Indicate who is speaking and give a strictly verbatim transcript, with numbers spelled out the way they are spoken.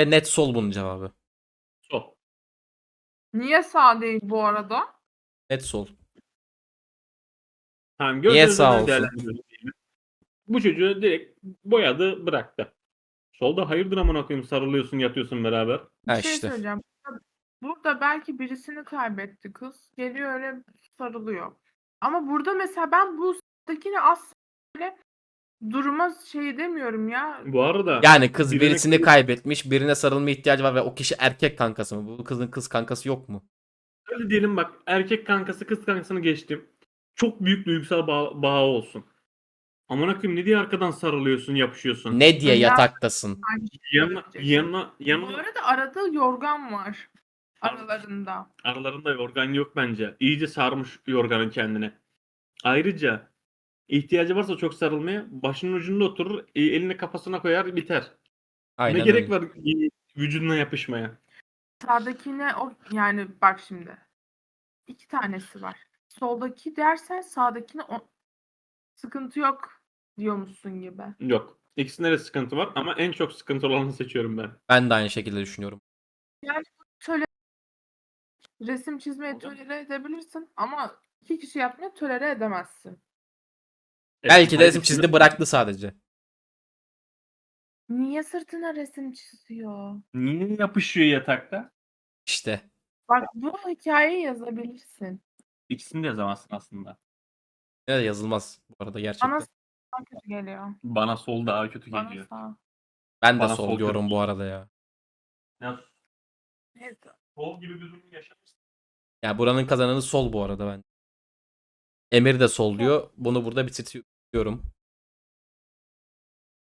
Speaker 1: Ve net sol bunun cevabı.
Speaker 2: Sol.
Speaker 3: Niye sağ değil bu arada?
Speaker 1: Net sol.
Speaker 2: Tamam,
Speaker 1: Niye
Speaker 2: gözünüz
Speaker 1: sağ
Speaker 2: önüne
Speaker 1: olsun?
Speaker 2: değerlendiriyoruz diyelim. Bu çocuğu direkt boyadı, bıraktı. Solda hayırdır amına koyayım, sarılıyorsun, yatıyorsun beraber.
Speaker 3: Bir
Speaker 1: Ha
Speaker 3: şey
Speaker 1: işte.
Speaker 3: söyleyeceğim. Burada belki birisini kaybetti kız. Geliyor öyle sarılıyor. Ama burada mesela ben bu s**takini asla böyle duruma şey demiyorum ya.
Speaker 2: Bu arada
Speaker 1: Yani kız
Speaker 2: birine
Speaker 1: birisini kaybetmiş, birine sarılma ihtiyacı var ve o kişi erkek kankası mı? Bu kızın kız kankası yok mu?
Speaker 2: öyle diyelim, bak erkek kankası kız kankasını geçtim. Çok büyük duygusal bağ, bağı olsun. Amına koyayım, ne diye arkadan sarılıyorsun, yapışıyorsun.
Speaker 1: Ne diye
Speaker 3: Ya-
Speaker 1: yataktasın?
Speaker 3: Aynı şey
Speaker 2: Yanına
Speaker 3: söyleyecektim.
Speaker 2: yanına
Speaker 3: Bu
Speaker 2: yanına
Speaker 3: arada arada yorgan var. Aralarında.
Speaker 2: aralarında yorgan yok bence. İyice sarmış yorganın kendine. Ayrıca ihtiyacı varsa çok sarılmaya, başının ucunda oturur, e, elini kafasına koyar, biter.
Speaker 1: Aynen
Speaker 2: Ne gerek
Speaker 1: öyle.
Speaker 2: var e, vücuduna yapışmaya?
Speaker 3: Sağdakine o yani bak şimdi. İki tanesi var. Soldaki dersen sağdakine o sıkıntı yok diyormuşsun gibi.
Speaker 2: Yok. İkisinde de sıkıntı var ama en çok sıkıntı olanı seçiyorum ben.
Speaker 1: Ben de aynı şekilde düşünüyorum.
Speaker 3: Yani töle resim çizmeyi
Speaker 2: Hocam.
Speaker 3: tolere edebilirsin ama iki kişi yapmayı tolere edemezsin.
Speaker 1: Belki de
Speaker 2: hayır,
Speaker 1: resim
Speaker 2: ikisinde
Speaker 1: çizdi, bıraktı sadece.
Speaker 3: Niye sırtına resim çiziyor?
Speaker 2: niye yapışıyor yatakta?
Speaker 1: İşte.
Speaker 3: Bak bu hikayeyi yazabilirsin.
Speaker 2: İkisini de yazamazsın aslında.
Speaker 1: Ne de yazılmaz bu arada gerçekten.
Speaker 3: Bana sağ kötü geliyor.
Speaker 2: Bana sol daha kötü
Speaker 3: Bana
Speaker 2: geliyor.
Speaker 3: sağ.
Speaker 1: Ben de
Speaker 2: Bana
Speaker 1: sol
Speaker 2: sol
Speaker 1: diyorum
Speaker 2: kötü.
Speaker 1: bu arada ya.
Speaker 2: Ya,
Speaker 3: Neyse.
Speaker 2: sol gibi bir durum yaşamışsın.
Speaker 1: Ya buranın kazananı sol bu arada ben. Emir de sol diyor. Bunu burada bitiriyorum.